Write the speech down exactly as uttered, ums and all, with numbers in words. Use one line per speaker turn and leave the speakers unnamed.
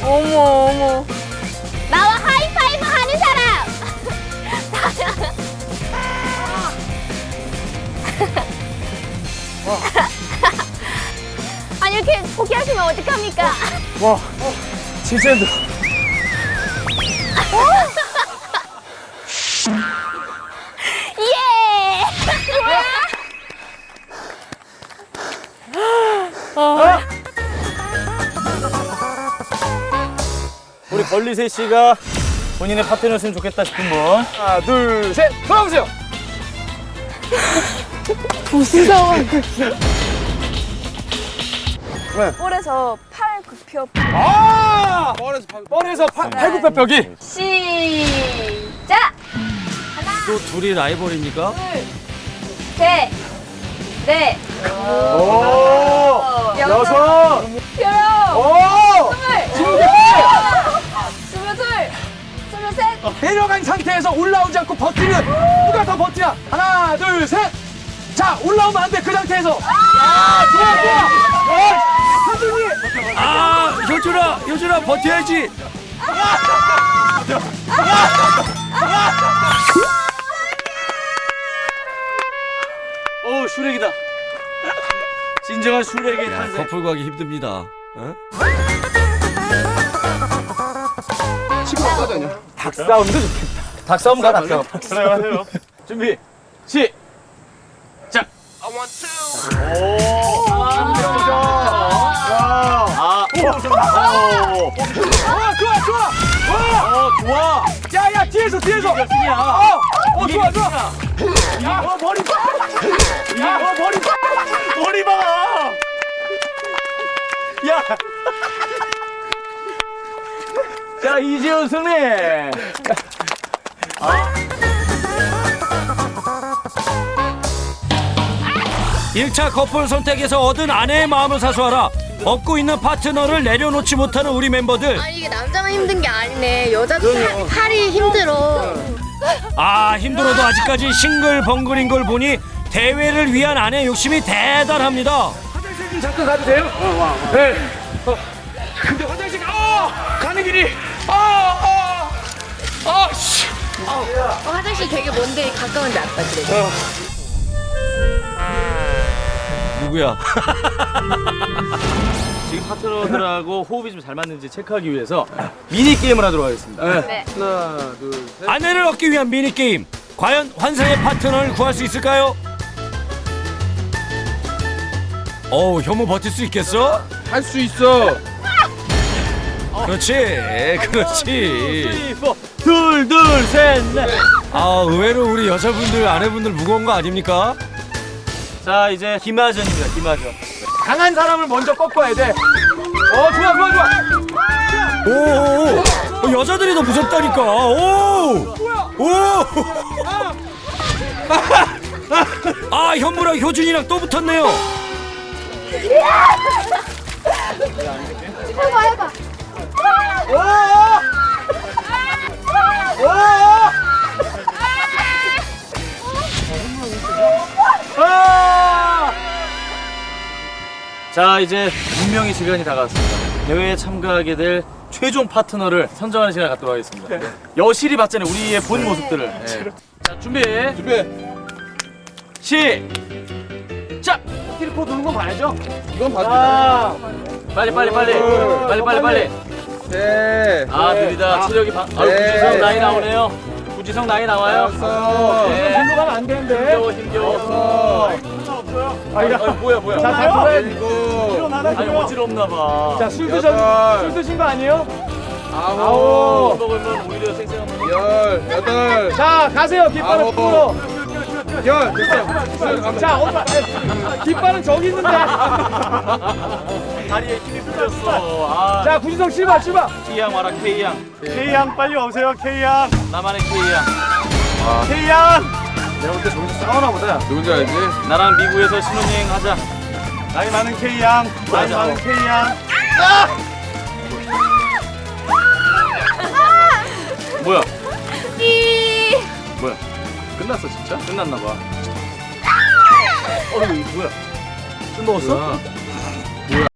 어머 어머. 나와 하이파이브 하는 사람. 아니 이렇게 포기하시면 어떡합니까?
와, 진짜 힘들어.
예.
우리 벌리세 씨가 본인의 파트너였으면 좋겠다 싶은 분. 하나, 둘, 셋, 돌아보세요.
무슨 상황?
네.
볼에서 팔 굽혀.
아! 뻘에서, 뻘에서 팔굽혀펴기.
시작.
또 둘이 라이벌입니까?
셋, 넷,
오! 여섯!
여섯,
오!
스물, 스물둘, 스물셋.
내려간 상태에서 올라오지 않고 버티는 누가 더 버티나? 하나, 둘, 셋! 자, 올라오면 안 돼, 그 상태에서. 아, 좋아, 좋아! 어, 하준이!
아, 효준아, 효준아 버텨야지.
오, 슈렉이다. 진정한 슈렉의 탄생.
커플 가기 힘듭니다. 어?
닭싸움도 좋겠다. 닭싸움 가, 닭싸움. 그래, 하세요. 준비, 시작! 오! 아, 오! 오! 아, 좋아, 좋아! 어, 좋아! 야, 야, 뒤에서, 뒤에서!
승이야.
어! 어, 좋아, 좋아! 야, 어, 머리 봐! 야, 어, 머리 봐! 머리 봐! 야! 자, 이지훈 승리!
일 차 커플 선택에서 얻은 아내의 마음을 사수하라. 얻고 있는 파트너를 내려놓지 못하는 우리 멤버들.
아니 이게 남자만 힘든 게 아니네. 여자도 팔- 팔이 힘들어.
아, 힘들어도 아직까지 싱글벙글인 걸 보니 대회를 위한 아내의 욕심이 대단합니다.
화장실 좀 잠깐 가도 돼요? 네. 어. 근데 화장실 가, 어! 가는 길이, 아, 아, 아, 씨.
어, 화장실 되게 먼데 가까운데 아까 그래.
누구야?
지금 파트너들하고 호흡이 좀 잘 맞는지 체크하기 위해서 미니 게임을 하도록 하겠습니다.
네.
하나, 둘, 셋.
아내를 얻기 위한 미니게임. 과연 환상의 파트너를 구할 수 있을까요? 어우, 혐오 버틸 수 있겠어?
할 수 있어.
그렇지, 그렇지.
둘, 둘, 셋, 넷.
아, 의외로 우리 여자분들, 아내분들 무거운 거 아닙니까?
자, 이제 김하전입니다. 김하전. 강한 사람을 먼저 꺾어야 돼. 어, 좋아, 좋아, 좋아.
오, 오, 오. 여자들이 더 무섭다니까. 오, 오. 아, 현무랑 효준이랑 또 붙었네요.
해봐 해봐.
오! 오! 아! 자, 이제 운명의 시간이 다가왔습니다. 대회에 참가하게 될 최종 파트너를 선정하는 시간을 갖도록 하겠습니다. 여실히 봤잖아요, 우리의 본 모습들을. 네. 자, 준비. 준비. 시작. 트리포 도는 건 봐야죠. 이건 봐야 빨리 빨리 빨리. 빨리 빨리 빨리.
네.
아, 느리다. 체력이 바... 아,
네.
구지성 나이 나오네요. 구지성 나이 나와요. 네.
일로 가면 안 되는데.
힘겨워 힘겨워. 아, 야. 아, 뭐야 뭐야.
자, 다 돌아야 돼.
일곱. 아니 어지럽나 봐.
자, 술 드셨, 술 드신 거 아니에요?
아홉.
아홉.
먹으면 오히려 생생한 거.
열, 여덟, 자, 가세요. 깃발은 아홉. 풀어.
열. 됐어요.
자, 엄마. 깃발은 저기 있는데.
다리에 힘이 풀렸어. 아.
자, 구지성 씨발, 씨발.
K양 와라 K양.
K양 빨리 오세요, K양.
나만의 K양.
K양.
내가 볼 때 저기서 싸우나 보다.
누군지 알지?
나랑 미국에서 신혼여행 하자.
나이 많은 K양. 나이
맞아.
많은 K양.
뭐야?
이.
뭐야? 끝났어 진짜? 끝났나 봐. 어 이거 뭐야? 술 먹었어?